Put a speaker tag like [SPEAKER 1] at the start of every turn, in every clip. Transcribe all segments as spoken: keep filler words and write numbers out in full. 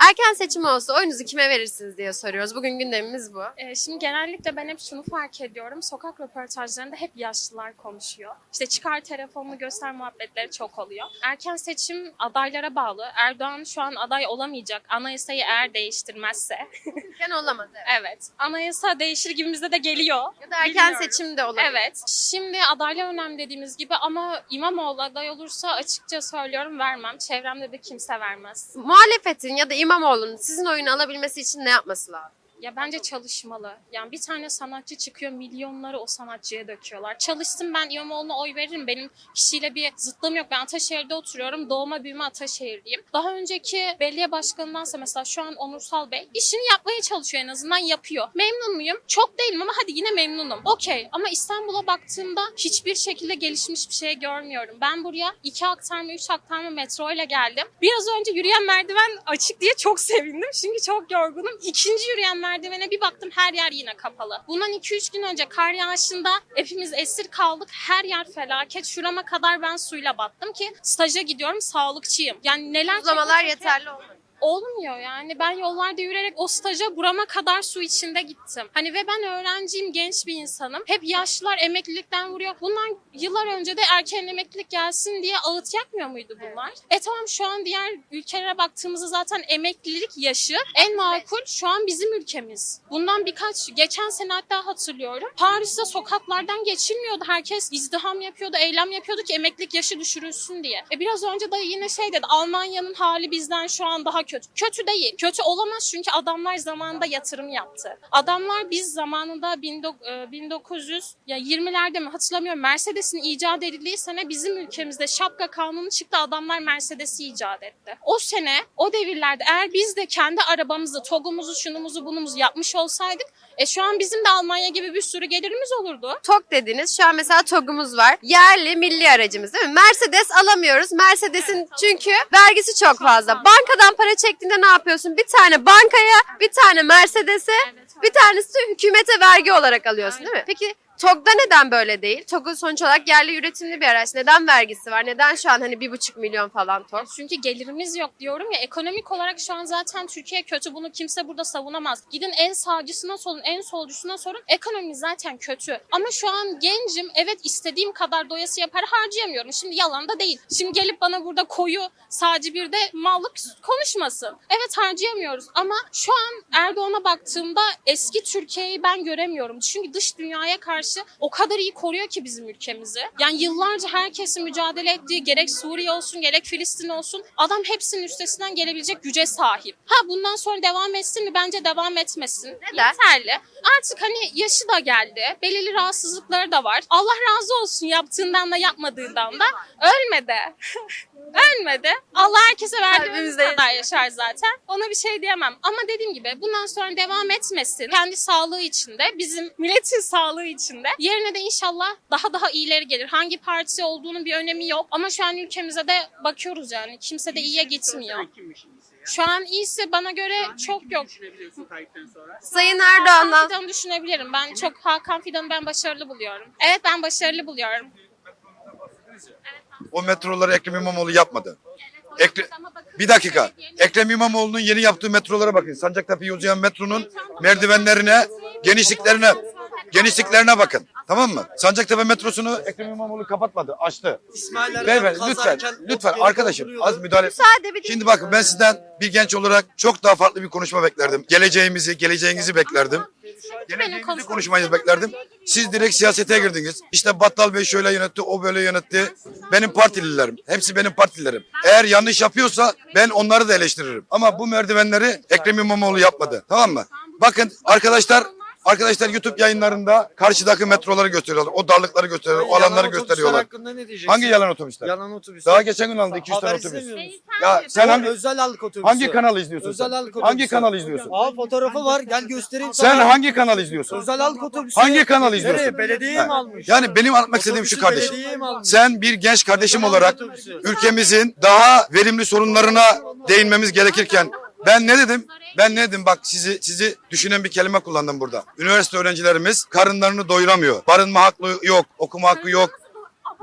[SPEAKER 1] Erken seçim olsa oyunuzu kime verirsiniz diye soruyoruz. Bugün gündemimiz bu.
[SPEAKER 2] Ee, şimdi genellikle ben hep şunu fark ediyorum. Sokak röportajlarında hep yaşlılar konuşuyor. İşte çıkar telefonunu göster muhabbetleri çok oluyor. Erken seçim adaylara bağlı. Erdoğan şu an aday olamayacak. Anayasayı eğer değiştirmezse.
[SPEAKER 1] Erken olamadı. Evet.
[SPEAKER 2] Evet. Anayasa değişir gibimize de geliyor.
[SPEAKER 1] Ya da erken
[SPEAKER 2] Bilmiyorum.
[SPEAKER 1] seçim de olabilir.
[SPEAKER 2] Evet. Şimdi adaylar önemli dediğimiz gibi ama İmamoğlu aday olursa açıkça söylüyorum vermem. Çevremde de kimse vermez.
[SPEAKER 1] Muhalefetin ya da İmamoğlu'nun sizin oyunu alabilmesi için ne yapması lazım?
[SPEAKER 2] Ya bence çalışmalı. Yani bir tane sanatçı çıkıyor, milyonları o sanatçıya döküyorlar. Çalışsın, ben İmamoğlu'na oy veririm. Benim kişiyle bir zıtlığım yok. Ben Ataşehir'de oturuyorum. Doğma büyüme Ataşehirliyim. Daha önceki belediye başkanındansa mesela şu an Onursal Bey işini yapmaya çalışıyor, en azından yapıyor. Memnun muyum? Çok değilim ama hadi yine memnunum. Okey, ama İstanbul'a baktığımda hiçbir şekilde gelişmiş bir şey görmüyorum. Ben buraya iki aktarma, üç aktarma metro ile geldim. Biraz önce yürüyen merdiven açık diye çok sevindim. Çünkü çok yorgunum. İkinci yürüyen merdivene bir baktım, her yer yine kapalı. Bundan iki üç gün önce kar yağışında hepimiz esir kaldık. Her yer felaket. Şurama kadar ben suyla battım ki staja gidiyorum, sağlıkçıyım. Yani neler
[SPEAKER 1] Uygulamalar
[SPEAKER 2] çeke çeke-
[SPEAKER 1] yeterli olmadı.
[SPEAKER 2] Olmuyor yani. Ben yollarda yürüyerek o staja burama kadar su içinde gittim. Hani ve ben öğrenciyim, genç bir insanım. Hep yaşlılar emeklilikten vuruyor. Bundan yıllar önce de erken emeklilik gelsin diye ağıt yakmıyor muydu bunlar? E tamam, şu an diğer ülkelere baktığımızda zaten emeklilik yaşı en makul şu an bizim ülkemiz. Bundan birkaç, geçen sene hatta hatırlıyorum. Paris'te sokaklardan geçilmiyordu. Herkes izdiham yapıyordu, eylem yapıyordu ki emeklilik yaşı düşürülsün diye. E biraz önce de yine şey dedi. Almanya'nın hali bizden şu an daha kötü. Kötü değil. Kötü olamaz çünkü adamlar zamanında yatırım yaptı. Adamlar biz zamanında bin dokuz yüz ya yirmilerde mi hatırlamıyorum, Mercedes'in icat edildiği sene bizim ülkemizde şapka kanunu çıktı. Adamlar Mercedes'i icat etti. O sene, o devirlerde eğer biz de kendi arabamızı, togumuzu, şunumuzu, bunumuzu yapmış olsaydık e şu an bizim de Almanya gibi bir sürü gelirimiz olurdu.
[SPEAKER 1] TOG dediniz. Şu an mesela TOG'umuz var. Yerli milli aracımız değil mi? Mercedes alamıyoruz. Mercedes'in çünkü vergisi çok fazla. Bankadan para çektiğinde ne yapıyorsun? Bir tane bankaya, bir tane Mercedes'e,
[SPEAKER 2] Evet,
[SPEAKER 1] bir tanesi de hükümete vergi olarak alıyorsun değil mi?
[SPEAKER 2] Aynen.
[SPEAKER 1] Peki TOG'da neden böyle değil? TOG'un sonuç olarak yerli üretimli bir araç. Neden vergisi var? Neden şu an hani bir buçuk milyon falan TOG?
[SPEAKER 2] Çünkü gelirimiz yok diyorum ya, ekonomik olarak şu an zaten Türkiye kötü, bunu kimse burada savunamaz. Gidin en sağcısına sorun, en solcusuna sorun, ekonomi zaten kötü. Ama şu an gencim, evet istediğim kadar doyasıya para harcayamıyorum. Şimdi yalan da değil. Şimdi gelip bana burada koyu sağcı bir de mallık konuşmasın. Evet harcayamıyoruz ama şu an Erdoğan'a baktığımda eski Türkiye'yi ben göremiyorum. Çünkü dış dünyaya karşı o kadar iyi koruyor ki bizim ülkemizi. Yani yıllarca herkesin mücadele ettiği, gerek Suriye olsun gerek Filistin olsun, adam hepsinin üstesinden gelebilecek güce sahip. Ha bundan sonra devam etsin mi? Bence devam etmesin.
[SPEAKER 1] Neden?
[SPEAKER 2] Yeterli. Artık hani yaşı da geldi. Belirli rahatsızlıkları da var. Allah razı olsun yaptığından da yapmadığından da. Ölmedi. Ölmedi. Allah herkese verdiğimiz
[SPEAKER 1] Kalbimizde
[SPEAKER 2] kadar yaşar zaten. Ona bir şey diyemem. Ama dediğim gibi bundan sonra devam etmesin. Kendi sağlığı içinde, bizim milletin sağlığı içinde. Yerine de inşallah daha daha iyileri gelir. Hangi parti olduğunun bir önemi yok. Ama şu an ülkemize de bakıyoruz yani. Kimse de iyiye gitmiyor. Şu an iyisi bana göre çok yok.
[SPEAKER 1] Sayın
[SPEAKER 2] Hakan
[SPEAKER 1] Erdoğan'dan
[SPEAKER 2] Fidan'ı düşünebilirim. Ben çok Hakan Fidan'ı ben başarılı buluyorum. Evet, ben başarılı buluyorum.
[SPEAKER 3] O metroları Ekrem İmamoğlu yapmadı. Ekre... Bir dakika. Ekrem İmamoğlu'nun yeni yaptığı metrolara bakın. Sancaktepe uzayan metronun merdivenlerine, genişliklerine, genişliklerine bakın. Tamam mı? Sancaktepe metrosunu Ekrem İmamoğlu kapatmadı, açtı.
[SPEAKER 4] İsmail
[SPEAKER 3] Beyefendi lütfen, lütfen arkadaşım az müdahale.
[SPEAKER 1] müsaade bir
[SPEAKER 3] Şimdi bakın ben sizden bir genç olarak çok daha farklı bir konuşma beklerdim. Geleceğimizi, geleceğinizi beklerdim. Geleceğimizi konuşmayı beklerdim. Siz direkt siyasete girdiniz. İşte Battal Bey şöyle yönetti, o böyle yönetti. Benim partililerim. Hepsi benim partililerim. Eğer yanlış yapıyorsa ben onları da eleştiririm. Ama bu merdivenleri Ekrem İmamoğlu yapmadı. Tamam mı? Bakın arkadaşlar Arkadaşlar YouTube yayınlarında karşıdaki metroları gösteriyorlar. O darlıkları gösteriyorlar. O alanları gösteriyorlar.
[SPEAKER 4] Hakkında ne diyeceksin?
[SPEAKER 3] Hangi yalan otobüsler?
[SPEAKER 4] Yalan otobüsler.
[SPEAKER 3] Daha geçen gün aldı iki yüz tane
[SPEAKER 4] Haber
[SPEAKER 3] otobüs.
[SPEAKER 4] istemiyor musun?
[SPEAKER 3] Ya sen hangi
[SPEAKER 4] Özel halk otobüsü.
[SPEAKER 3] hangi kanalı izliyorsun
[SPEAKER 4] Özel
[SPEAKER 3] sen?
[SPEAKER 4] halk otobüsü.
[SPEAKER 3] Hangi kanalı izliyorsun?
[SPEAKER 4] Aa fotoğrafı var, gel göstereyim
[SPEAKER 3] Sen
[SPEAKER 4] sana.
[SPEAKER 3] hangi kanalı izliyorsun?
[SPEAKER 4] Özel halk otobüsü.
[SPEAKER 3] Hangi kanal izliyorsun?
[SPEAKER 4] Nereye? Belediye mi
[SPEAKER 3] Ha.
[SPEAKER 4] almış?
[SPEAKER 3] Yani benim anlatmak istediğim şu
[SPEAKER 4] Otobüsü
[SPEAKER 3] kardeşim.
[SPEAKER 4] belediye mi almış?
[SPEAKER 3] Sen bir genç kardeşim
[SPEAKER 4] Özel
[SPEAKER 3] olarak
[SPEAKER 4] otobüsü.
[SPEAKER 3] ülkemizin daha verimli sorunlarına değinmemiz gerekirken ben ne dedim? Ben ne dedim? Bak sizi sizi düşünen bir kelime kullandım burada. Üniversite öğrencilerimiz karınlarını doyuramıyor. Barınma hakkı yok, okuma hakkı yok.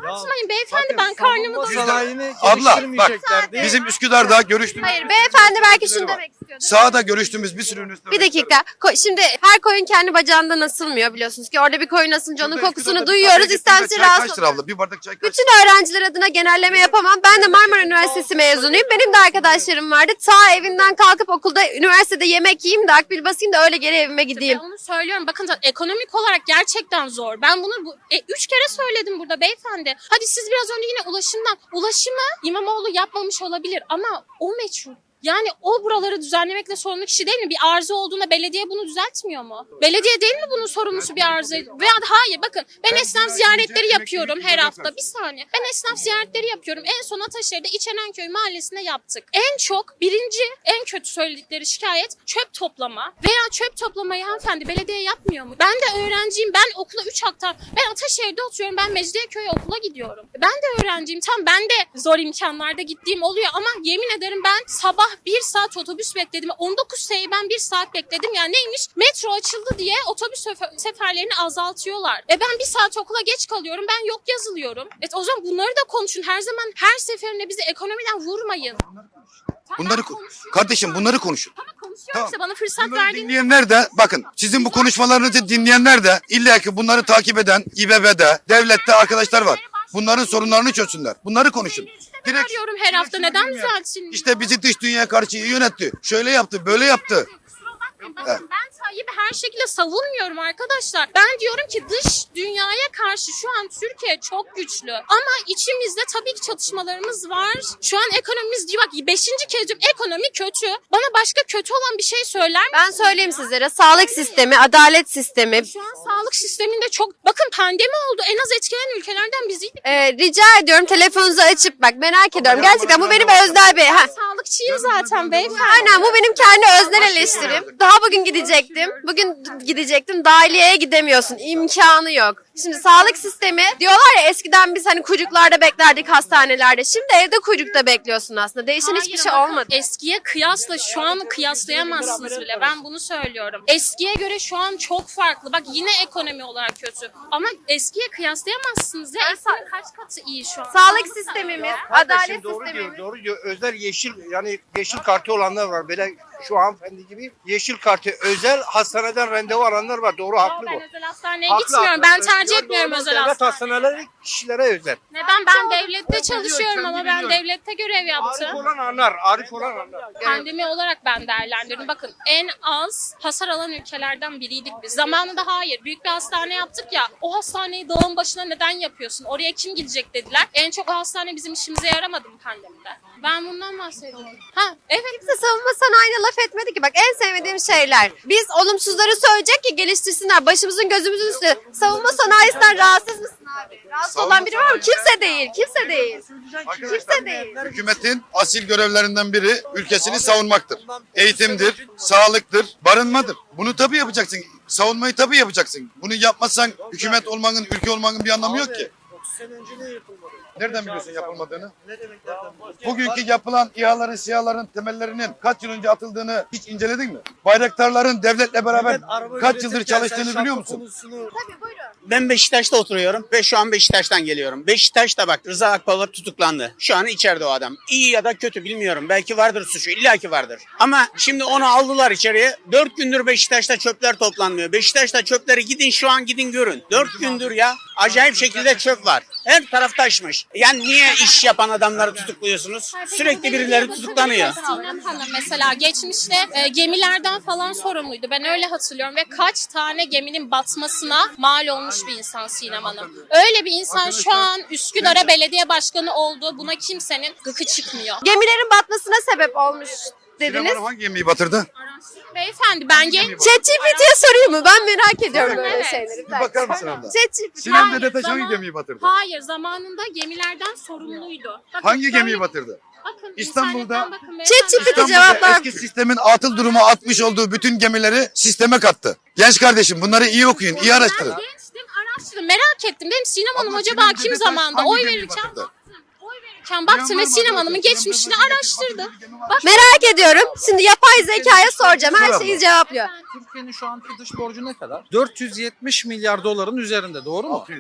[SPEAKER 2] Açmayın beyefendi,
[SPEAKER 4] bakın,
[SPEAKER 2] ben karnımı
[SPEAKER 4] savunma
[SPEAKER 2] doyurdum.
[SPEAKER 4] sanayini
[SPEAKER 3] Abla, bak,
[SPEAKER 4] geliştirmeyecekler diye.
[SPEAKER 3] Bizim Üsküdar'da görüştüğümüz...
[SPEAKER 1] Hayır beyefendi belki şunu demek istiyordu.
[SPEAKER 3] Sahada görüştüğümüz bir sürü üniversite
[SPEAKER 1] Bir dakika. Ko- Şimdi her koyun kendi bacağından asılmıyor biliyorsunuz ki. Orada bir koyun asınca onun kokusunu duyuyoruz. İstemsiz rahatsız
[SPEAKER 3] Kaç lira abla? Bir bardak çay kaç?
[SPEAKER 1] Bütün öğrenciler adına genelleme yapamam. Ben de Marmara Üniversitesi mezunuyum. Benim de arkadaşlarım vardı. Ta evinden kalkıp okulda, üniversitede yemek yiyeyim de akbil basayım da öyle geri evime gideyim.
[SPEAKER 2] Ben onu söylüyorum. Bakın da ekonomik olarak gerçekten zor. Ben bunu bu, e, üç kere söyledim burada beyefendi. Hadi siz biraz önce yine ulaşımdan. Ulaşımı İmamoğlu yapmamış olabilir ama o meçhul. Yani o buraları düzenlemekle sorumlu kişi değil mi? Bir arıza olduğunda belediye bunu düzeltmiyor mu? Belediye değil mi bunun sorumlusu bir arıza? Veya hayır bakın ben esnaf ziyaretleri yapıyorum her hafta. Bir saniye. Ben esnaf ziyaretleri yapıyorum. En son Ataşehir'de İçenenköy mahallesinde yaptık. En çok birinci en kötü söyledikleri şikayet çöp toplama. Veya çöp toplamayı hanımefendi belediye yapmıyor mu? Ben de öğrenciyim. Ben okula üç aktar. Ben Ataşehir'de oturuyorum. Ben Mecidiyeköy'e okula gidiyorum. Ben de öğrenciyim. Tam ben de zor imkanlarda gittiğim oluyor ama yemin ederim ben sabah bir saat otobüs bekledim. on dokuz seneyi ben bir saat bekledim. Yani neymiş? Metro açıldı diye otobüs sefer- seferlerini azaltıyorlar. E ben bir saat okula geç kalıyorum. Ben yok yazılıyorum. E o zaman bunları da konuşun. Her zaman her seferinde bizi ekonomiden vurmayın.
[SPEAKER 3] Bunları ko- kardeşim bunları konuşun.
[SPEAKER 2] Tamam konuşuyorum
[SPEAKER 3] Tamam.
[SPEAKER 2] işte bana fırsat
[SPEAKER 3] Bunları
[SPEAKER 2] verdiğiniz.
[SPEAKER 3] dinleyenler de bakın sizin bu konuşmalarınızı dinleyenler de illa ki bunları takip eden İBB'de, devlette arkadaşlar var. Bunların sorunlarını çözsünler. Bunları konuşun. Direkt
[SPEAKER 2] Arıyorum her hafta.
[SPEAKER 3] şunu
[SPEAKER 2] Neden
[SPEAKER 3] dinleyin.
[SPEAKER 2] düzeltsin?
[SPEAKER 3] İşte bizi dış dünyaya karşı iyi yönetti. Şöyle yaptı, böyle yaptı.
[SPEAKER 2] Kusura bakmayın. Bakın ben Tayyip'i her şekilde savunmuyorum arkadaşlar. Ben diyorum ki dış dünyaya karşı şu an Türkiye çok güçlü. Ama içimizde tabii ki çatışmalarımız var. Şu an ekonomimiz diyor bak beşinci kez diyorum ekonomi kötü. Bana başka kötü olan bir şey söyler misin?
[SPEAKER 1] Ben söyleyeyim sizlere. Sağlık sistemi, adalet sistemi.
[SPEAKER 2] Şu an sağlık sisteminde çok bakın pandemi oldu. En az etkilenen ülkelerden biziydik.
[SPEAKER 1] Ee, rica ediyorum telefonunuzu açıp bak merak ediyorum. Gerçekten bu benim özel bir... Ha.
[SPEAKER 2] Sağlıkçıyım zaten beyefendi.
[SPEAKER 1] Aynen bu benim kendi öznel eleştirim. Daha bugün gidecektim. Bugün gidecektim. Dahiliyeye gidemiyorsun. İmkanı yok. Şimdi sağlık sistemi diyorlar ya eskiden biz hani kuyruklarda beklerdik hastanelerde. Şimdi evde kuyrukta bekliyorsun aslında. Değişen hiçbir şey
[SPEAKER 2] Hayır, bakın,
[SPEAKER 1] olmadı.
[SPEAKER 2] Eskiye kıyasla şu an kıyaslayamazsınız bile. Ben bunu söylüyorum. Eskiye göre şu an çok farklı. Bak yine ekonomi olarak kötü. Ama eskiye kıyaslayamazsınız ya. Eskinin kaç katı iyi şu an.
[SPEAKER 1] Sağlık sistemimiz, adalet
[SPEAKER 5] Kardeşim doğru diyor,
[SPEAKER 1] sistemimiz.
[SPEAKER 5] doğru diyor. Özel yeşil yani yeşil kartı olanlar var. Böyle şu hanımefendi gibi yeşil kartı özel hastaneden randevu alanlar var. Doğru
[SPEAKER 2] Yo,
[SPEAKER 5] haklı
[SPEAKER 2] ben
[SPEAKER 5] bu.
[SPEAKER 2] özel hastaneye
[SPEAKER 5] Haklı,
[SPEAKER 2] gitmiyorum.
[SPEAKER 5] haklı.
[SPEAKER 2] Ben tercih
[SPEAKER 5] Doğru,
[SPEAKER 2] etmiyorum
[SPEAKER 5] doğru.
[SPEAKER 2] özel
[SPEAKER 5] Devlet
[SPEAKER 2] hastaneyi.
[SPEAKER 5] hastaneleri kişilere özel.
[SPEAKER 2] Neden? Ben devlette
[SPEAKER 5] Kendi
[SPEAKER 2] çalışıyorum
[SPEAKER 5] biliyor,
[SPEAKER 2] ama
[SPEAKER 5] kendi
[SPEAKER 2] ben
[SPEAKER 5] biliyor.
[SPEAKER 2] devlette görev
[SPEAKER 5] Arif
[SPEAKER 2] yaptım.
[SPEAKER 5] olan anlar, Arif olan anlar.
[SPEAKER 2] Pandemi olarak ben değerlendirdim. Bakın en az hasar alan ülkelerden biriydik biz. Zamanında hayır. Büyük bir hastane yaptık ya. O hastaneyi dağın başına neden yapıyorsun? Oraya kim gidecek dediler. En çok o hastane bizim işimize yaramadı mı pandemide? Ben bundan bahsediyorum. Ha evet.
[SPEAKER 1] Kimse savunma sanayine laf etmedi ki. Bak en sevmediğim şeyler. Biz olumsuzları söyleyecek ki geliştirsinler. Başımızın gözümüzün üstü. Savunma sanayisinden rahatsız mısın abi? Rahatsız olan biri var mı? Kimse değil. Kimse değil. Kimse değil.
[SPEAKER 3] Hükümetin asil görevlerinden biri ülkesini savunmaktır. Eğitimdir, sağlıktır, barınmadır. Bunu tabii yapacaksın. Savunmayı tabii yapacaksın. Bunu yapmazsan hükümet olmanın, ülke olmanın bir anlamı yok ki.
[SPEAKER 4] otuz sene önce ne yapılmadı?
[SPEAKER 3] Nereden biliyorsun yapılmadığını?
[SPEAKER 4] Ne demek nereden biliyorsun?
[SPEAKER 3] Bugünkü yapılan İHA'ların, SİHA'ların temellerinin kaç yıl önce atıldığını hiç inceledin mi? Bayraktarların devletle beraber
[SPEAKER 4] Millet araba
[SPEAKER 3] kaç
[SPEAKER 4] üretirken
[SPEAKER 3] yıldır
[SPEAKER 4] sen
[SPEAKER 3] çalıştığını
[SPEAKER 4] şapka
[SPEAKER 3] biliyor musun?
[SPEAKER 4] konusunu-
[SPEAKER 6] Ben Beşiktaş'ta oturuyorum ve şu an Beşiktaş'tan geliyorum. Beşiktaş'ta bak Rıza Akbalar tutuklandı. Şu an içeride o adam. İyi ya da kötü bilmiyorum. Belki vardır suçu. illaki vardır. Ama şimdi onu aldılar içeriye. Dört gündür Beşiktaş'ta çöpler toplanmıyor. Beşiktaş'ta çöpleri gidin şu an gidin görün. Dört gündür ya. Acayip şekilde çöp var. Her taraf taşmış. Yani niye iş yapan adamları tutukluyorsunuz? Sürekli birileri tutuklanıyor.
[SPEAKER 2] Sinem Hanım mesela geçmişte e, gemilerden falan sorumluydu. Ben öyle hatırlıyorum ve kaç tane geminin batmasına mal olmuş bir insan Sinem Hanım. Öyle bir insan şu an Üsküdar'a belediye başkanı oldu. Buna kimsenin gıkı çıkmıyor.
[SPEAKER 1] Gemilerin batmasına sebep olmuş dediniz.
[SPEAKER 3] Sinema hangi gemiyi batırdı?
[SPEAKER 2] Beyefendi ben genç...
[SPEAKER 1] ChatGPT'ye sorayım mı? Ben merak ediyorum böyle
[SPEAKER 2] Evet.
[SPEAKER 1] şeyleri.
[SPEAKER 3] Bir bakar mısın abla?
[SPEAKER 1] ChatGPT.
[SPEAKER 3] Sinem
[SPEAKER 2] Hayır,
[SPEAKER 3] Dedetaş hangi
[SPEAKER 2] zaman-
[SPEAKER 3] gemiyi batırdı?
[SPEAKER 2] Hayır zamanında gemilerden sorumluydu. Bakın,
[SPEAKER 3] Hangi
[SPEAKER 2] böyle-
[SPEAKER 3] gemiyi batırdı?
[SPEAKER 2] Bakın,
[SPEAKER 3] İstanbul'da-
[SPEAKER 2] internetten bakın beyefendi.
[SPEAKER 1] ChatGPT
[SPEAKER 3] İstanbul'da
[SPEAKER 1] cevaplar.
[SPEAKER 3] eski sistemin atıl duruma atmış olduğu bütün gemileri sisteme kattı. Genç kardeşim bunları iyi okuyun, iyi araştırın.
[SPEAKER 2] Ben gençtim, araştırdım, merak ettim. Benim Sinem Hanım
[SPEAKER 3] Abla,
[SPEAKER 2] acaba
[SPEAKER 3] Sinem
[SPEAKER 2] kim
[SPEAKER 3] Dedetaş
[SPEAKER 2] zamanda
[SPEAKER 3] hangi
[SPEAKER 2] oy
[SPEAKER 3] gemiyi
[SPEAKER 2] verirken
[SPEAKER 3] batırdı?
[SPEAKER 2] baktım. Oy verirken baktım ve Sinem Hanım'ın geçmişini araştırdım. Bak,
[SPEAKER 1] Merak ediyorum. Şimdi yapay zekaya soracağım. Her şeyi cevaplıyor.
[SPEAKER 7] Türkiye'nin şu anki dış borcu ne kadar? dört yüz yetmiş milyar doların üzerinde, doğru mu?
[SPEAKER 3] altı yüz.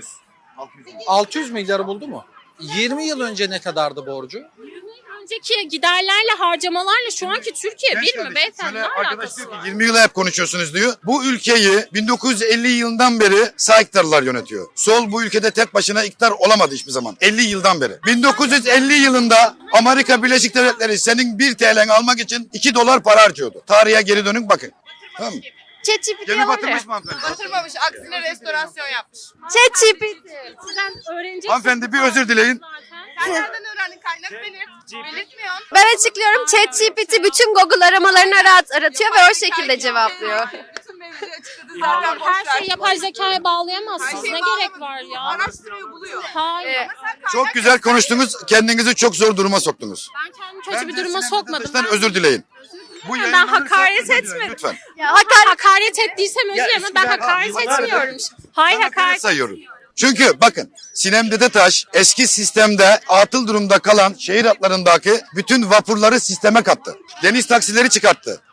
[SPEAKER 4] altı yüz milyarı buldu mu? yirmi yıl önce ne kadardı borcu?
[SPEAKER 2] Önceki giderlerle harcamalarla şu anki Türkiye bir mi beyefendi? Ne
[SPEAKER 3] Arkadaş
[SPEAKER 2] alakası
[SPEAKER 3] diyor
[SPEAKER 2] var?
[SPEAKER 3] ki yirmi yıla hep konuşuyorsunuz diyor. Bu ülkeyi bin dokuz yüz elli yılından beri sağ iktidarlar yönetiyor. Sol bu ülkede tek başına iktidar olamadı hiçbir zaman. elli yıldan beri. bin dokuz yüz elli yılında Amerika Birleşik Devletleri senin bir T L'ni almak için iki dolar para harcıyordu. Tarihe geri dönün bakın. Tamam mı?
[SPEAKER 1] ChatGPT
[SPEAKER 3] Gemi
[SPEAKER 1] var
[SPEAKER 3] batırmış
[SPEAKER 1] ya.
[SPEAKER 3] mı hanımefendi?
[SPEAKER 7] Batırmamış, aksine restorasyon yapmış.
[SPEAKER 1] ChatGPT.
[SPEAKER 2] Sizden öğrenecek.
[SPEAKER 3] Hanımefendi bir özür dileyin.
[SPEAKER 7] Sen nereden öğrendin, kaynak belirt. Belirtmiyorsun.
[SPEAKER 1] Ben açıklıyorum. ChatGPT bütün Google aramalarını arat aratıyor ve o şekilde cevaplıyor.
[SPEAKER 7] Bütün mevzuyu açıkladı zaten. boş
[SPEAKER 2] Her
[SPEAKER 7] ver.
[SPEAKER 2] şeyi yapay zekaya
[SPEAKER 7] Her
[SPEAKER 2] bağlayamazsınız.
[SPEAKER 7] şeyi
[SPEAKER 2] Ne
[SPEAKER 7] bağlamadı.
[SPEAKER 2] gerek var ya?
[SPEAKER 7] Araştırıyor, buluyor.
[SPEAKER 2] Hayır.
[SPEAKER 1] Ee,
[SPEAKER 7] Ama sen kaynak
[SPEAKER 3] Çok güzel konuştunuz. Kendinizi çok zor duruma soktunuz.
[SPEAKER 2] Ben kendimi kötü bir
[SPEAKER 3] Bence
[SPEAKER 2] duruma
[SPEAKER 3] Sinem
[SPEAKER 2] sokmadım.
[SPEAKER 3] Dedeş'ten özür dileyin. Bu
[SPEAKER 2] Ben
[SPEAKER 3] yayınlanırsa
[SPEAKER 2] hakaret
[SPEAKER 3] özür dileyin,
[SPEAKER 2] etmedim.
[SPEAKER 3] Lütfen.
[SPEAKER 1] Ya
[SPEAKER 2] Hakaret, hakaret ettiysem özür
[SPEAKER 6] Ya
[SPEAKER 2] dilerim ama ben
[SPEAKER 6] eskiden-
[SPEAKER 2] hakaret
[SPEAKER 3] Hakaret
[SPEAKER 2] etmiyorum. Hayır
[SPEAKER 3] Ben hakaret
[SPEAKER 2] hakaret.
[SPEAKER 3] sayıyorum. Çünkü bakın Sinem Dedetaş eski sistemde atıl durumda kalan şehir hatlarındaki bütün vapurları sisteme kattı. Deniz taksileri çıkarttı.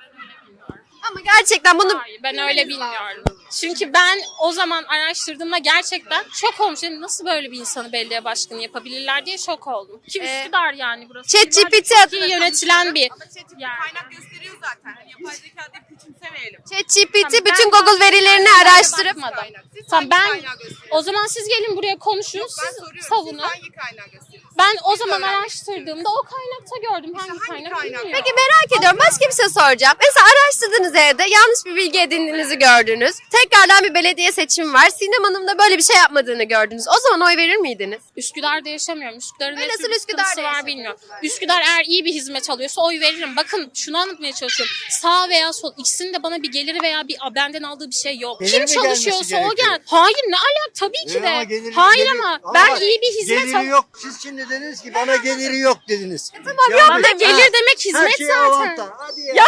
[SPEAKER 1] Ama gerçekten bunu
[SPEAKER 2] Hayır, ben öyle bilmiyorum. Çünkü ben o zaman araştırdığımda gerçekten şok olmuşum. Nasıl böyle bir insanı belediye başkanı yapabilirler diye şok oldum. Ki
[SPEAKER 1] Ee,
[SPEAKER 2] Üsküdar yani burası.
[SPEAKER 1] ChatGPT
[SPEAKER 2] Üsküdar
[SPEAKER 1] adına
[SPEAKER 2] iyi yönetilen bir
[SPEAKER 7] Ama ChatGPT
[SPEAKER 2] yer.
[SPEAKER 7] kaynak gösteriyor zaten. Hani yapay zeka deyip küçümsemeyelim.
[SPEAKER 1] ChatGPT
[SPEAKER 2] Ben-
[SPEAKER 1] bütün
[SPEAKER 2] ben-
[SPEAKER 1] Google verilerini
[SPEAKER 2] ben-
[SPEAKER 1] araştırıp
[SPEAKER 2] bakmadım.
[SPEAKER 7] Kaynak. Siz
[SPEAKER 2] Tamam,
[SPEAKER 7] hangi
[SPEAKER 2] ben
[SPEAKER 7] kaynağı gösteriyorsunuz?
[SPEAKER 2] o zaman siz gelin buraya konuşun,
[SPEAKER 7] Yok, ben
[SPEAKER 2] siz
[SPEAKER 7] soruyorum.
[SPEAKER 2] savunun.
[SPEAKER 7] Siz hangi kaynağı gösteriyorsunuz?
[SPEAKER 2] Ben o
[SPEAKER 7] Biz
[SPEAKER 2] zaman
[SPEAKER 7] öğrenmek
[SPEAKER 2] araştırdığımda o kaynakta gördüm. Hangi,
[SPEAKER 7] hangi
[SPEAKER 2] kaynak,
[SPEAKER 7] kaynak?
[SPEAKER 2] bilmiyorum.
[SPEAKER 1] Peki merak ediyorum. Başka bir şey soracağım. Mesela araştırdığınız evde yanlış bir bilgi edindiğinizi gördünüz. Tekrardan bir belediye seçimi var. Sinem Hanım da böyle bir şey yapmadığını gördünüz. O zaman oy verir miydiniz?
[SPEAKER 2] Üsküdar'da yaşamıyorum. Üsküdar'ın
[SPEAKER 1] Ben
[SPEAKER 2] ne
[SPEAKER 1] nasıl
[SPEAKER 2] tür bir
[SPEAKER 1] Üsküdar'da
[SPEAKER 2] sıkıntısı var
[SPEAKER 1] yaşamıyorum?
[SPEAKER 2] bilmiyorum. Üsküdar eğer iyi bir hizmet alıyorsa oy veririm. Bakın şunu anlatmaya çalışıyorum. Sağ veya sol ikisinin de bana bir geliri veya bir benden aldığı bir şey yok.
[SPEAKER 5] Gelir
[SPEAKER 2] Kim
[SPEAKER 5] mi gelmesi
[SPEAKER 2] çalışıyorsa o
[SPEAKER 5] gerekiyor?
[SPEAKER 2] gel. Hayır ne alak tabii ki
[SPEAKER 5] E
[SPEAKER 2] de.
[SPEAKER 5] ama geliri-
[SPEAKER 2] Hayır
[SPEAKER 5] geliri-
[SPEAKER 2] ama
[SPEAKER 5] ama
[SPEAKER 2] ben
[SPEAKER 5] bak,
[SPEAKER 2] iyi bir hizmet
[SPEAKER 5] Geliri
[SPEAKER 2] al.
[SPEAKER 5] yok. Siz şimdi dediniz ki bana geliri yok dediniz.
[SPEAKER 1] Tamam yok
[SPEAKER 2] Bana
[SPEAKER 1] da
[SPEAKER 2] gelir demek hizmet
[SPEAKER 5] şey
[SPEAKER 2] zaten.
[SPEAKER 5] avantaj. Hadi ya.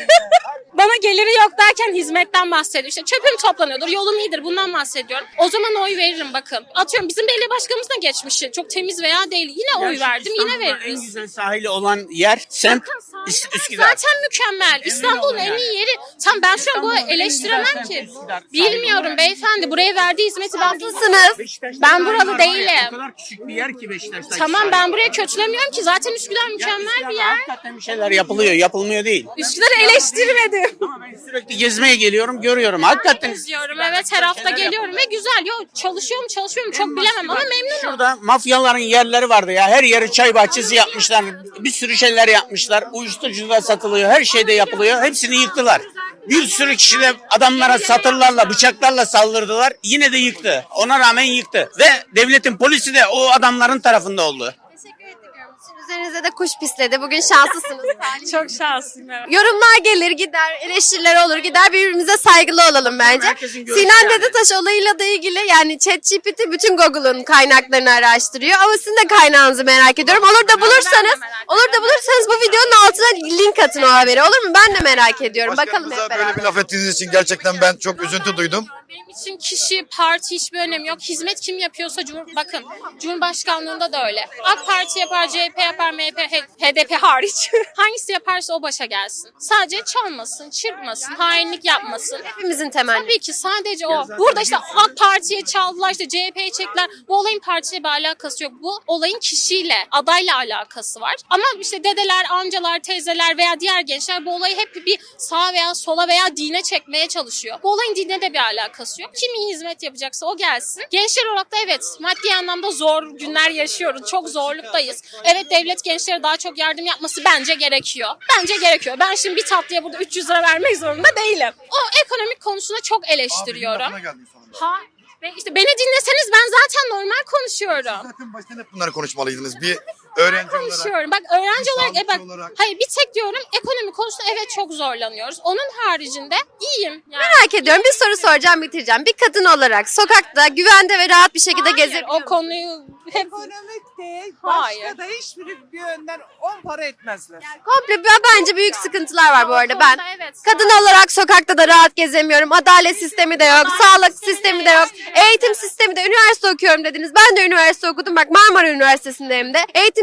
[SPEAKER 2] Bana geliri yok derken hizmetten bahsediyor. İşte çöpüm toplanıyordur, yolum iyidir bundan bahsediyorum. O zaman oy veririm bakın. Atıyorum bizim belediye başkanımız da geçmişi. Çok temiz veya değil. Yine oy verdim yine
[SPEAKER 6] İstanbul'da En
[SPEAKER 2] veririz.
[SPEAKER 6] güzel sahili olan yer semt Üs- Üsküdar.
[SPEAKER 2] Zaten mükemmel. İstanbul'un en iyi yeri. Tam ben şu an bu
[SPEAKER 6] İstanbul'un en
[SPEAKER 2] eleştiremem
[SPEAKER 6] güzel
[SPEAKER 2] ki.
[SPEAKER 6] semti Üsküdar.
[SPEAKER 2] Bilmiyorum beyefendi. Buraya verdiği hizmeti ben
[SPEAKER 1] haklısınız.
[SPEAKER 6] Beşiktaş'ta
[SPEAKER 2] Ben
[SPEAKER 6] sahil
[SPEAKER 2] buralı
[SPEAKER 6] var var ya,
[SPEAKER 2] değilim.
[SPEAKER 6] O kadar küçük bir yer ki Beşiktaş'ta.
[SPEAKER 2] Tamam ben buraya kötülemiyorum ki. Zaten Üsküdar mükemmel bir yer.
[SPEAKER 6] Hakikaten bir şeyler yapılıyor, yapılmıyor değil.
[SPEAKER 2] Üsküdar'ı eleştirmedim.
[SPEAKER 6] Ama ben sürekli gezmeye geliyorum, görüyorum. Hakikaten.
[SPEAKER 2] İzliyorum evet her hafta geliyorum ve güzel. Yo çalışıyorum çalışıyorum çok bilemem ama memnunum.
[SPEAKER 6] Şurada mafyaların yerleri vardı ya. Her yeri çay bahçesi yapmışlar. Bir sürü şeyler yapmışlar. Uyuşturucu da satılıyor. Her şey de yapılıyor. Hepsini yıktılar. Bir sürü kişi de adamlara satırlarla, bıçaklarla saldırdılar. Yine de yıktı. Ona rağmen yıktı. Ve devletin polisi de o adamların tarafında oldu.
[SPEAKER 1] Teşekkür ediyorum. Sizin üzerinize de kuş pisledi. Bugün şanslısınız.
[SPEAKER 2] Çok şanslıyım evet.
[SPEAKER 1] Yorumlar gelir gider, eleştiriler olur gider. Birbirimize saygılı olalım bence.
[SPEAKER 6] Herkesin görüşü
[SPEAKER 1] Sinan
[SPEAKER 6] yani.
[SPEAKER 1] Dedetaş olayıyla da ilgili yani ChatGPT bütün Google'un kaynaklarını araştırıyor. Ama sizin de kaynağınızı merak ediyorum. Olur da bulursanız, olur da bulursanız bu videonun altına link atın o haberi. Olur mu? Ben de merak ediyorum. Bakalım hep
[SPEAKER 3] Başkanımıza
[SPEAKER 1] beraber.
[SPEAKER 3] böyle bir laf ettiğiniz için gerçekten ben çok üzüntü duydum.
[SPEAKER 2] Benim için kişi, parti hiçbir önemi yok. Hizmet kim yapıyorsa, Cumhur, bakın Cumhurbaşkanlığında da öyle. AK Parti yapar, C H P yapar, M H P, H D P hariç. Hangisi yaparsa o başa gelsin. Sadece çalmasın, çırpmasın, hainlik yapmasın.
[SPEAKER 1] Hepimizin temenni.
[SPEAKER 2] Tabii ki sadece o. Burada işte AK Parti'ye çaldılar, işte C H P'ye çektiler. Bu olayın partiyle bir alakası yok. Bu olayın kişiyle, adayla alakası var. Ama işte dedeler, amcalar, teyzeler veya diğer gençler bu olayı hep bir sağa veya sola veya dine çekmeye çalışıyor. Bu olayın dine de bir alakası yok. Kim iyi hizmet yapacaksa o gelsin. Gençler olarak da evet maddi anlamda zor günler yaşıyoruz. Çok zorluktayız. Evet devlet gençlere daha çok yardım yapması bence gerekiyor. Bence gerekiyor. Ben şimdi bir tatlıya burada üç yüz lira vermek zorunda değilim. O ekonomik konusunda çok eleştiriyorum. Ha ve işte beni dinleseniz ben zaten normal konuşuyorum.
[SPEAKER 3] Zaten baştan hep bunları konuşmalıydınız. Bir öğrenci olarak.
[SPEAKER 2] Konuşuyorum. Bak öğrenci
[SPEAKER 3] Bir
[SPEAKER 2] olarak, e bak,
[SPEAKER 3] sağlıkçı olarak.
[SPEAKER 2] hayır bir tek diyorum ekonomi konusunda evet çok zorlanıyoruz. Onun haricinde iyiyim. Yani.
[SPEAKER 1] Merak ediyorum. Bir soru soracağım, bitireceğim. Bir kadın olarak sokakta güvende ve rahat bir şekilde
[SPEAKER 2] Hayır,
[SPEAKER 1] gezebiliyor
[SPEAKER 2] o konuyu hep
[SPEAKER 7] Ekonomik de
[SPEAKER 2] Hayır.
[SPEAKER 7] başka da hiçbir bir yönden on para etmezler.
[SPEAKER 1] Komple b- bence büyük sıkıntılar var bu arada. Ben
[SPEAKER 2] konuda evet.
[SPEAKER 1] kadın olarak sokakta da rahat gezemiyorum. Adalet sistemi de yok, sağlık sistemi de yok, eğitim sistemi de. Üniversite okuyorum dediniz. Ben de üniversite okudum. Bak Marmara Üniversitesi'ndeyim de. Eğitim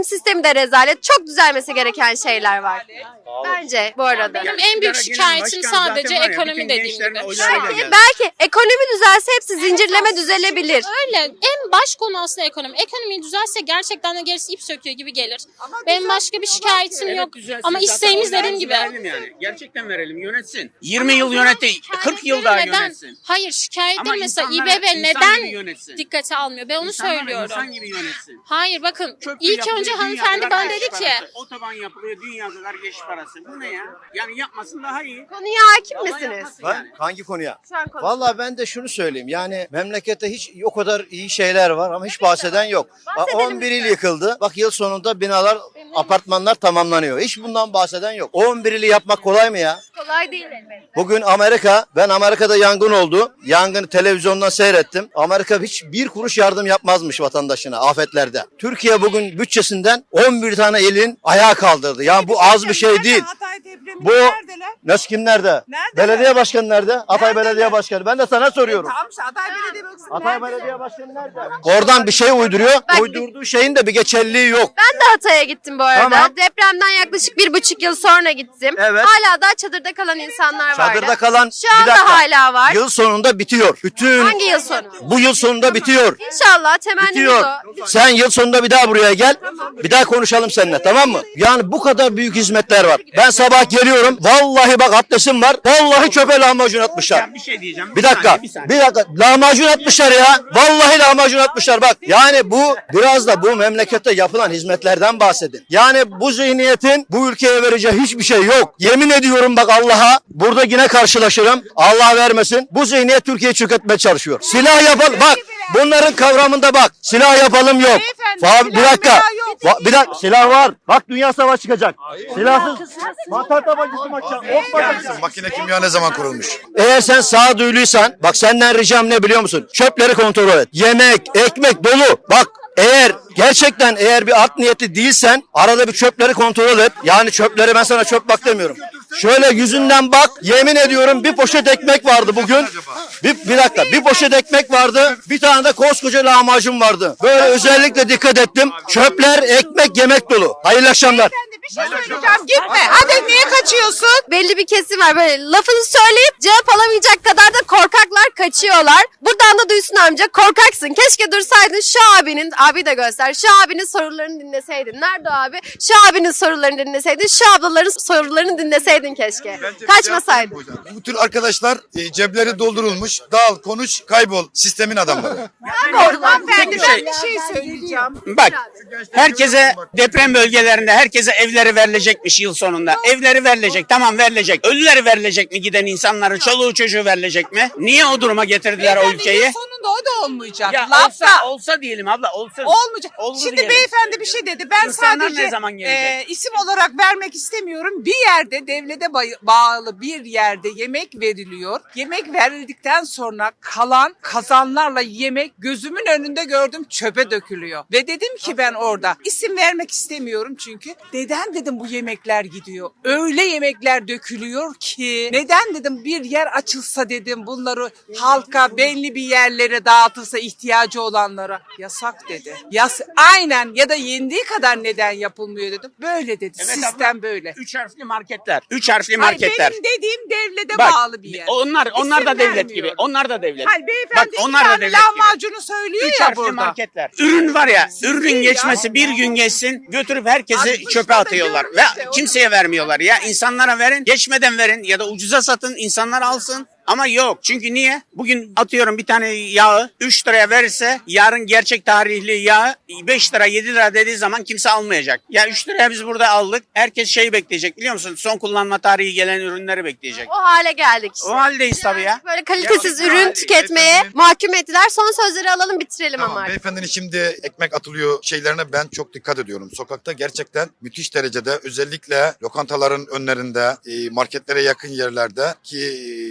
[SPEAKER 1] Eğitim sistemi de rezalet. Çok düzelmesi gereken şeyler var. Bence bu arada.
[SPEAKER 2] Benim en büyük şikayetim sadece ekonomi dediğim gibi.
[SPEAKER 1] Belki, belki ekonomi düzelse hepsi zincirleme düzelebilir.
[SPEAKER 2] Öyle. En baş konu aslında ekonomi. Ekonomi düzelse gerçekten de gerisi ip söküyor gibi gelir. Benim başka bir şikayetim yok. Ama isteğimiz dediğim gibi.
[SPEAKER 6] Verelim yani. Gerçekten verelim. Yönetsin. yirmi yıl yönetti. kırk yıl daha
[SPEAKER 2] Neden?
[SPEAKER 6] yönetsin.
[SPEAKER 2] Hayır, şikayetleri
[SPEAKER 6] Ama
[SPEAKER 2] mesela
[SPEAKER 6] insanlar
[SPEAKER 2] İBB
[SPEAKER 6] insan
[SPEAKER 2] neden
[SPEAKER 6] gibi yönetsin.
[SPEAKER 2] dikkate almıyor? Ben onu
[SPEAKER 6] İnsanlar
[SPEAKER 2] söylüyorum.
[SPEAKER 6] insan gibi yönetsin.
[SPEAKER 2] Hayır bakın
[SPEAKER 6] Çöp
[SPEAKER 2] ilk
[SPEAKER 6] yapılıyor,
[SPEAKER 2] önce
[SPEAKER 6] dünya
[SPEAKER 2] hanımefendi
[SPEAKER 6] kadar
[SPEAKER 2] bana
[SPEAKER 6] geçiş
[SPEAKER 2] dedi ki
[SPEAKER 6] parası. Otoban yapılıyor, dünya kadar geçiş parası. Bu ne ya? Yani yapmasın daha iyi.
[SPEAKER 1] Konuya hakim
[SPEAKER 6] Vallahi
[SPEAKER 1] misiniz?
[SPEAKER 6] yapmasın
[SPEAKER 8] Ben
[SPEAKER 6] yani.
[SPEAKER 8] hangi konuya?
[SPEAKER 1] Şu an konuş-
[SPEAKER 8] Vallahi ben de şunu söyleyeyim. Yani memlekette hiç o kadar iyi şeyler var ama hiç bahseden yok.
[SPEAKER 1] Bahsedelim
[SPEAKER 8] on bir il
[SPEAKER 1] lütfen.
[SPEAKER 8] yıkıldı. Bak yıl sonunda binalar, apartmanlar tamamlanıyor. Hiç bundan bahseden yok. on bir ili yapmak kolay mı ya?
[SPEAKER 1] Kolay değil elbette.
[SPEAKER 8] Bugün Amerika, ben Amerika'da yangın oldu. Yangını televizyondan seyrettim. Amerika hiç bir kuruş yardım yapmazmış vatandaşına afetlerde. Türkiye bugün bütçesinden on bir tane ilin ayağa kaldırdı. Yani bu az bir şey değil.
[SPEAKER 7] Hatay depremi
[SPEAKER 8] Bu
[SPEAKER 7] neredeler?
[SPEAKER 8] nasıl kim nerede?
[SPEAKER 7] Nerede?
[SPEAKER 8] Belediye başkanı nerede? Hatay
[SPEAKER 7] Nerede?
[SPEAKER 8] Belediye Başkanı. Ben de sana soruyorum.
[SPEAKER 7] Tamam işte Hatay Belediye Başkanı
[SPEAKER 8] Hatay
[SPEAKER 7] nerede?
[SPEAKER 8] Belediye Başkanı nerede? Oradan bir şey uyduruyor.
[SPEAKER 1] Bak-
[SPEAKER 8] Uydurduğu şeyin de bir geçerliliği yok.
[SPEAKER 1] Ben de Hatay'a gittim bu arada.
[SPEAKER 8] Tamam.
[SPEAKER 1] Depremden yaklaşık bir buçuk yıl sonra gittim.
[SPEAKER 8] Evet.
[SPEAKER 1] Hala da çadırda kalan insanlar vardı.
[SPEAKER 8] Çadırda kalan
[SPEAKER 1] Şu anda
[SPEAKER 8] bir dakika.
[SPEAKER 1] hala var.
[SPEAKER 8] Yıl sonunda bitiyor. Bütün
[SPEAKER 1] Hangi yıl sonu?
[SPEAKER 8] bu yıl sonunda bitiyor.
[SPEAKER 1] İnşallah temennimiz
[SPEAKER 8] Bitiyor.
[SPEAKER 1] o.
[SPEAKER 8] Sen yıl sonunda bir daha buraya gel. Bir daha konuşalım seninle, tamam mı? Yani bu kadar büyük hizmetler var. Ben sabah geliyorum. Vallahi bak abdestim var. Vallahi çöpe lahmacun atmışlar.
[SPEAKER 6] Ya bir şey diyeceğim.
[SPEAKER 8] Bir dakika.
[SPEAKER 6] saniye, bir saniye.
[SPEAKER 8] Bir dakika. Lahmacun atmışlar ya. Vallahi lahmacun atmışlar bak. Yani bu biraz da bu memlekette yapılan hizmetlerden bahsedin. Yani bu zihniyetin bu ülkeye vereceği hiçbir şey yok. Yemin ediyorum bak Allah'a, burada yine karşılaşırım. Allah vermesin. Bu zihniyet Türkiye'yi çökertmeye çalışıyor. Silah yapalım. Bak bunların kavramında bak. Silah yapalım yok.
[SPEAKER 7] Beyefendi,
[SPEAKER 8] Fa- bir
[SPEAKER 7] silah
[SPEAKER 8] dakika.
[SPEAKER 7] milah yok.
[SPEAKER 8] Va- bir dakika. Silah var. Bak dünya savaşı çıkacak. Silahsız. Mantar tabancası mı açacak? Ok mu açacak?
[SPEAKER 3] Makine kimya ne zaman kurulmuş?
[SPEAKER 8] Eğer sen sağduyuluysan, bak senden ricam ne biliyor musun? Çöpleri kontrol et. Yemek, ekmek dolu. Bak eğer gerçekten eğer bir art niyetli değilsen arada bir çöpleri kontrol et. Yani çöpleri, ben sana çöp bak demiyorum. Şöyle yüzünden bak. Yemin ediyorum bir poşet ekmek vardı bugün. Bir, bir dakika, bir poşet ekmek vardı. Bir tane de koskoca lahmacun vardı. Böyle özellikle dikkat ettim. Çöpler, ekmek, yemek dolu. Hayırlı akşamlar.
[SPEAKER 7] Beyefendi bir şey söyleyeceğim. Gitme. Hadi niye kaçıyorsun?
[SPEAKER 1] Belli bir kesim var böyle lafını söyleyip cevap alamayacak kadar da korkaklar kaçıyorlar. Buradan da duysun amca, korkaksın. Keşke dursaydın şu abinin, abi de göster, şu abinin sorularını dinleseydin. Nerede o abi? Şu abinin sorularını dinleseydin, şu ablaların sorularını dinleseydin keşke. Kaçmasaydın.
[SPEAKER 3] Bu tür arkadaşlar e, cepleri doldurulmuş. Dağıl, konuş, kaybol. Sistemin adamları.
[SPEAKER 7] Hanımefendi
[SPEAKER 6] Tek
[SPEAKER 7] ben bir şey söyleyeceğim.
[SPEAKER 6] Bak herkese deprem bölgelerinde herkese evleri verilecekmiş yıl sonunda. Evleri verilecek, tamam verilecek. Ölüleri verilecek mi giden insanların, çoluğu çocuğu verilecek mi? Niye o duruma getirdiler o
[SPEAKER 7] Beyefendi,
[SPEAKER 6] ülkeyi?
[SPEAKER 7] yıl sonunda o da olmayacak.
[SPEAKER 6] Ya
[SPEAKER 7] Lafta.
[SPEAKER 6] olsa, olsa diyelim abla olsun.
[SPEAKER 7] Olmayacak.
[SPEAKER 6] Oldu
[SPEAKER 7] Şimdi
[SPEAKER 6] diyelim.
[SPEAKER 7] beyefendi bir şey dedi. Ben
[SPEAKER 6] İnsanlar
[SPEAKER 7] sadece
[SPEAKER 6] ne zaman gelecek?
[SPEAKER 7] e, isim olarak vermek istemiyorum. Bir yerde devlete bay- bağlı bir yerde yemek veriliyor. Yemek verildikten sonra kalan kazanlarla yemek gözümün önünde gördüm, çöpe dökülüyor. Ve dedim ki ben orada isim vermek istemiyorum çünkü. Neden dedim bu yemekler gidiyor? Öyle yemekler dökülüyor ki. Neden dedim bir yer açılsa dedim bunları halka belli bir yerlere dağıtılsa ihtiyacı olanlara. Yasak dedi. Yas aynen ya da yendiği kadar neden yapılmıyor dedim. Böyle dedi.
[SPEAKER 6] Evet
[SPEAKER 7] Sistem
[SPEAKER 6] abla,
[SPEAKER 7] böyle.
[SPEAKER 6] Üç harfli marketler. Üç harfli
[SPEAKER 7] Hayır,
[SPEAKER 6] marketler.
[SPEAKER 7] benim dediğim devlete
[SPEAKER 6] Bak,
[SPEAKER 7] bağlı bir yer.
[SPEAKER 6] onlar onlar
[SPEAKER 7] İsim
[SPEAKER 6] da devlet
[SPEAKER 7] vermiyorum.
[SPEAKER 6] gibi. Onlar da devlet.
[SPEAKER 7] Hayır beyefendi
[SPEAKER 6] Bak onlar
[SPEAKER 7] iki
[SPEAKER 6] da
[SPEAKER 7] tane
[SPEAKER 6] devlet gibi.
[SPEAKER 7] lahmacunu söylüyor
[SPEAKER 6] Üç
[SPEAKER 7] ya
[SPEAKER 6] harfli
[SPEAKER 7] burada.
[SPEAKER 6] marketler. Ürün var ya, ürünün
[SPEAKER 7] Değil
[SPEAKER 6] geçmesi
[SPEAKER 7] ya.
[SPEAKER 6] bir gün geçsin, götürüp herkesi
[SPEAKER 7] Altmışta
[SPEAKER 6] çöpe
[SPEAKER 7] da
[SPEAKER 6] atıyorlar.
[SPEAKER 7] görmüş
[SPEAKER 6] Ve
[SPEAKER 7] de, o
[SPEAKER 6] kimseye vermiyorlar ya. İnsanlara verin, geçmeden verin ya da ucuza satın, insanlar alsın. Ama yok. Çünkü niye? Bugün atıyorum bir tane yağı üç liraya verirse yarın gerçek tarihli yağı beş lira yedi lira dediği zaman kimse almayacak. Ya üç liraya biz burada aldık. Herkes şeyi bekleyecek biliyor musun? Son kullanma tarihi gelen ürünleri bekleyecek.
[SPEAKER 1] O hale geldik işte.
[SPEAKER 6] O haldeyiz tabii ya.
[SPEAKER 1] Böyle kalitesiz
[SPEAKER 3] Gerçekten
[SPEAKER 1] ürün
[SPEAKER 3] hali,
[SPEAKER 1] tüketmeye
[SPEAKER 3] beyefendi.
[SPEAKER 1] mahkum ettiler. Son sözleri alalım, bitirelim ama
[SPEAKER 3] Tamam,
[SPEAKER 1] artık.
[SPEAKER 3] beyefendinin şimdi ekmek atılıyor şeylerine ben çok dikkat ediyorum. Sokakta gerçekten müthiş derecede özellikle lokantaların önlerinde, e, marketlere yakın yerlerde ki çöpler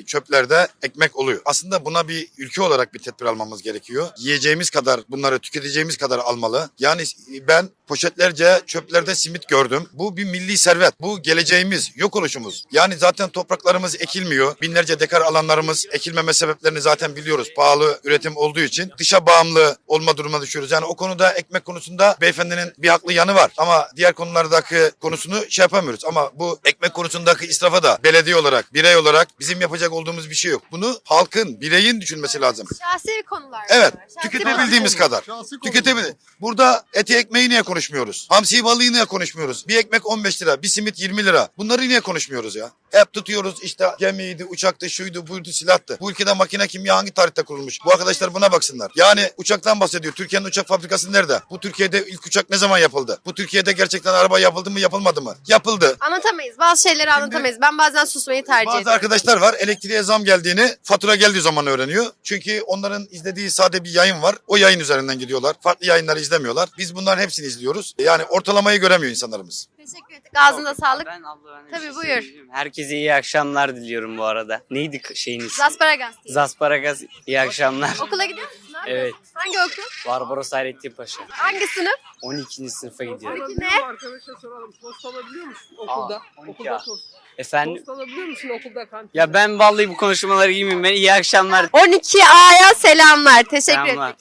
[SPEAKER 3] evlerde ekmek oluyor. Aslında buna bir ülke olarak bir tedbir almamız gerekiyor. Yiyeceğimiz kadar bunları tüketeceğimiz kadar almalı. Yani ben poşetlerce çöplerde simit gördüm. Bu bir milli servet. Bu geleceğimiz, yok oluşumuz. Yani zaten topraklarımız ekilmiyor. Binlerce dekar alanlarımız ekilmeme sebeplerini zaten biliyoruz. Pahalı üretim olduğu için dışa bağımlı olma durumuna düşüyoruz. Yani o konuda ekmek konusunda beyefendinin bir haklı yanı var. Ama diğer konulardaki konusunu şey yapamıyoruz. Ama bu ekmek konusundaki israfa da belediye olarak, birey olarak bizim yapacak olduğumuz bir şey yok. Bunu halkın, bireyin düşünmesi lazım.
[SPEAKER 1] Şahsi konular.
[SPEAKER 3] Evet,
[SPEAKER 1] bunlar. Şahsi
[SPEAKER 3] tüketebildiğimiz kadar. Tüketebilir. Burada eti ekmeği niye konuşmuyoruz? Hamsi balığı niye konuşmuyoruz? Bir ekmek on beş lira, bir simit yirmi lira. Bunları niye konuşmuyoruz ya? Hep tutuyoruz işte gemiydi, uçaktı, şuydu, buydu, silahtı. Bu ülkede makine kimya hangi tarihte kurulmuş? Bu arkadaşlar buna baksınlar. Yani uçaktan bahsediyor. Türkiye'nin uçak fabrikası nerede? Bu Türkiye'de ilk uçak ne zaman yapıldı? Bu Türkiye'de gerçekten araba yapıldı mı, yapılmadı mı? Yapıldı.
[SPEAKER 1] Anlatamayız. Bazı şeyleri anlatamayız. Ben bazen susmayı tercih
[SPEAKER 3] Bazı
[SPEAKER 1] ediyorum.
[SPEAKER 3] arkadaşlar var, elektriğe zam geldiğini fatura geldiği zaman öğreniyor. Çünkü onların izlediği sade bir yayın var. O yayın üzerinden gidiyorlar. Farklı yayınları izlemiyorlar. Biz bunların hepsini izliyoruz. Yani ortalamayı göremiyor insanlarımız.
[SPEAKER 1] Teşekkür ettik. Ağzına sağlık.
[SPEAKER 9] Ben abla ben de bir
[SPEAKER 1] Tabii,
[SPEAKER 9] şey
[SPEAKER 1] buyur.
[SPEAKER 9] söyleyeyim. Herkese iyi akşamlar diliyorum bu arada. Neydi k- şeyin ismi?
[SPEAKER 1] Zasparagas diye.
[SPEAKER 9] Zasparagas. İyi akşamlar.
[SPEAKER 1] Okula gidiyor musun? Ne
[SPEAKER 9] Evet.
[SPEAKER 1] yapıyorsun? Hangi okul?
[SPEAKER 9] Barbaros Hayrettin Paşa.
[SPEAKER 1] Hangi sınıf?
[SPEAKER 9] on ikinci sınıfa gidiyorum.
[SPEAKER 1] Peki ne?
[SPEAKER 10] Arkadaşa soralım. Tost alabiliyor musun
[SPEAKER 9] Aa,
[SPEAKER 10] okulda?
[SPEAKER 9] on iki
[SPEAKER 10] Okulda
[SPEAKER 9] A.
[SPEAKER 10] tost.
[SPEAKER 9] Efendim?
[SPEAKER 10] Tost alabiliyor musun okulda kantinde?
[SPEAKER 9] Ya ben vallahi bu konuşmaları giymeyeyim. Ben iyi akşamlar.
[SPEAKER 1] on iki A'ya selamlar. Teşekkür
[SPEAKER 9] Selamlar.
[SPEAKER 1] ettik.